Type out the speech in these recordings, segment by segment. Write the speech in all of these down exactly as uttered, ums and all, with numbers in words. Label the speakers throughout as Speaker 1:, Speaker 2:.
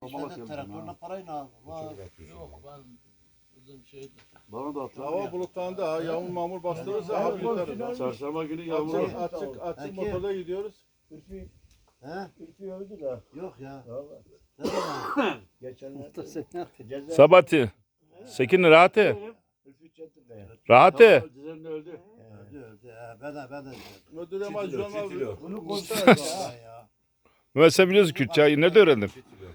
Speaker 1: İşte de traktörle parayla al. Var.
Speaker 2: Yok ben bizim şeydi.
Speaker 3: Bana da atla.
Speaker 4: Hava bulutlandı ha. Yağmur mamur bastırırsa hava yutarız.
Speaker 3: Çarşamba günü yağmur
Speaker 4: Açık
Speaker 3: var.
Speaker 4: açık açık
Speaker 1: Peki.
Speaker 4: motorla gidiyoruz.
Speaker 5: Ülfü,
Speaker 1: He?
Speaker 5: Ülfü öldü de.
Speaker 1: Yok ya.
Speaker 5: Vallahi.
Speaker 1: Ne zaman?
Speaker 5: Geçenlerde. Ceza.
Speaker 6: Sabati. Sekin rahat et.
Speaker 5: Ülfü çekti de.
Speaker 6: Rahat et.
Speaker 3: Düzenli öldü.
Speaker 1: Öldü öldü. He, ben de ben de.
Speaker 4: Ödülem acı olmaz.
Speaker 5: Bunu
Speaker 1: Vallahi ya.
Speaker 6: Mesela biliyorsun Kürtçeyi nerede öğrendin?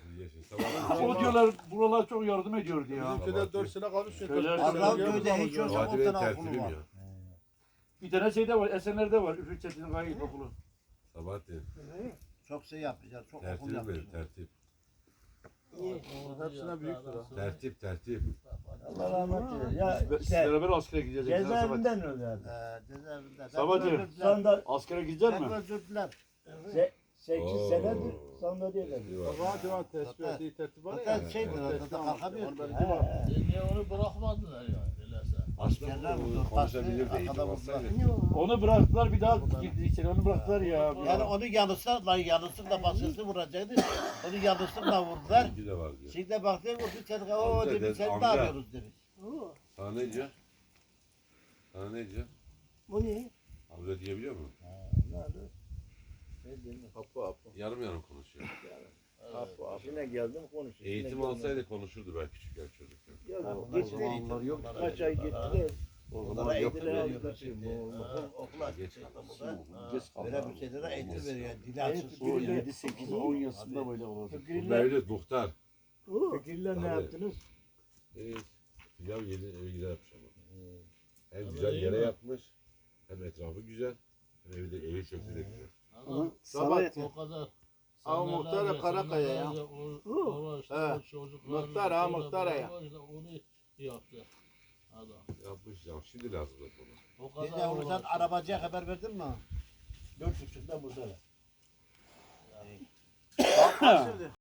Speaker 3: O diyorlar buralar çok yardım ediyordu ya.
Speaker 4: Bizimkiler dört sene kalmış.
Speaker 3: Köyler-
Speaker 1: Arnavutköy hiç yoksa
Speaker 7: Vadive'nin
Speaker 1: ondan
Speaker 7: tertibim
Speaker 1: okulu var.
Speaker 7: ya.
Speaker 3: Bir tane şeyde var, Esenler'de var. Üfür Çetin'in gayet okulu.
Speaker 7: Sabahattin.
Speaker 1: Çok şey yapacağız. Çok okul
Speaker 7: Tertibim benim
Speaker 1: yapacağız.
Speaker 7: tertip.
Speaker 4: Hepsine büyüktür ha.
Speaker 7: Tertip tertip.
Speaker 5: Allah rahmet eylesin. Ya
Speaker 3: Ve
Speaker 5: işte
Speaker 3: beraber askere gideceğiz.
Speaker 5: cezaevinden öldü abi.
Speaker 1: Ee, cezaevinde.
Speaker 3: Sabahattin.
Speaker 1: Ben öldürdüler.
Speaker 5: Sonunda
Speaker 3: Askere gidecek
Speaker 1: Ben
Speaker 3: mi?
Speaker 1: öldürdüler.
Speaker 5: se, sekiz
Speaker 7: Oo.
Speaker 5: senedir sonunda değil dedi.
Speaker 4: O zaman divan tespih ettiği tertip var ya.
Speaker 1: Zaten şeydir. Zaten kalkamıyor.
Speaker 4: Onu ben
Speaker 5: He, he.
Speaker 2: Niye onu bırakmadılar ya? Öyleyse.
Speaker 1: Askerler vurdu.
Speaker 7: Konuşabilir
Speaker 1: Bastı,
Speaker 7: değil.
Speaker 1: arkada vurdular.
Speaker 3: Onu bıraktılar bir daha girdi içeri. Onu bıraktılar ya.
Speaker 1: Yani onu yanlışlarla yanlışlıkla başkası vuracaktı. Onu yanlışlıkla vurdular.
Speaker 7: İki de var diyor.
Speaker 1: Şimdi baktı vurdu çocuk. O
Speaker 7: Amca
Speaker 1: demiş
Speaker 7: dedi,
Speaker 1: sen ne
Speaker 7: amca.
Speaker 1: yapıyoruz demiş.
Speaker 7: Sana ne diyor? Sana ne diyor?
Speaker 5: Bu ne?
Speaker 7: Amca diyebiliyor mu?
Speaker 5: Ne oldu? Ne diyeyim?
Speaker 4: Hapı hapı.
Speaker 7: Yarım yarım konuşuyor.
Speaker 5: Hapı hapı. Yine geldim konuşuyor.
Speaker 7: Eğitim alsaydı konuşurdu belki küçükken çocukken.
Speaker 5: Yok,
Speaker 3: O zamanlar yok.
Speaker 5: kaç ay gittiler.
Speaker 3: O
Speaker 1: Onlara
Speaker 3: zaman yok.
Speaker 1: eğitim veriyorlar şimdi. Okul, okula
Speaker 7: Geç
Speaker 1: geç Böyle bir şeylere eğitim veriyor. Dili açılsın.
Speaker 3: O yedi sekiz on yaşında böyle olacak.
Speaker 7: Burada
Speaker 5: Fikirler,
Speaker 7: öyle muhtar.
Speaker 5: fikirler ne
Speaker 7: Tabii.
Speaker 5: yaptınız?
Speaker 7: Evet. Pilav yedi evi güzel yapmış ama. Hem güzel yere yapmış. Hem etrafı güzel. Hem evi de evi şekli de güzel.
Speaker 2: Adam
Speaker 4: Sabahattin.
Speaker 2: o kadar.
Speaker 4: Ama muhtar da Karakaya ya. He. Muhtar ha, muhtar ya.
Speaker 2: Onu yaptı. Adam.
Speaker 7: Yapmış ya. Şimdi lazım da bunu.
Speaker 2: O
Speaker 1: Gece
Speaker 2: kadar
Speaker 1: onu sen
Speaker 2: uğraştı.
Speaker 1: arabacıya haber verdin mi?
Speaker 5: Dört buçukta buradalar.
Speaker 1: Yani.